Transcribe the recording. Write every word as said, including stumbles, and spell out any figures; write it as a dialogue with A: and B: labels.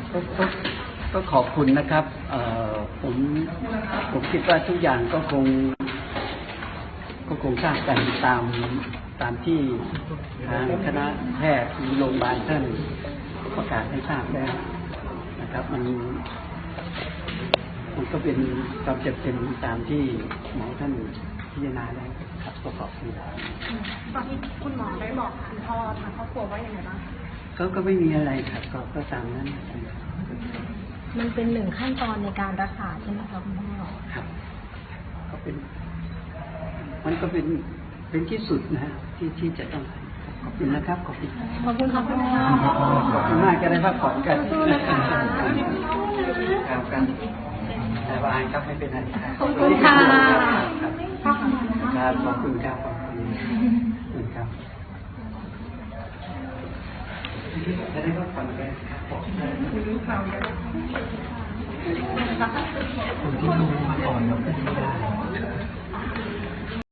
A: ก็ก็ก็ขอบคุณนะครับเอ่อผมผมคิดว่าทุกอย่างก็คงก็คงทราบกันตามตามที่ทางคณะแพทย์หรือโรงพยาบาลท่านประกาศให้ทราบแล้วนะครับมันมันก็เป็นความจำเป็นตามที่หมอท่านพิจารณาแล้วครับก็ขอบคุณ
B: ตอนที่คุณหมอได้บอกคุณพ่อทางครอบครัวว่ายังไงบ้าง
A: ก็ก็ไม่มีอะไรครับก็ก็ตามนั้น
C: มันเป็นหนึ่งขั้นตอนในการรักษาใช่ไหมครับคุณพ่อ
A: ครับก็เป็นมันก็เป็นเป็นที่สุดนะฮะที่ที่จะต้องขอบคุณนะครับขอบคุณ
C: ขอบคุณครับคุณพ่อ
A: ขอบคุณมากจะได้พักผ่อนกันครับกันสบายครับไม่เป็นไร
C: ขอบคุณค่ะ
A: ครับขอบคุณครับขอบคุณครับจะได้พักผ่อนกันคุณรู้ข่าวยังคนที่รู้มาก่อนเราก็ดี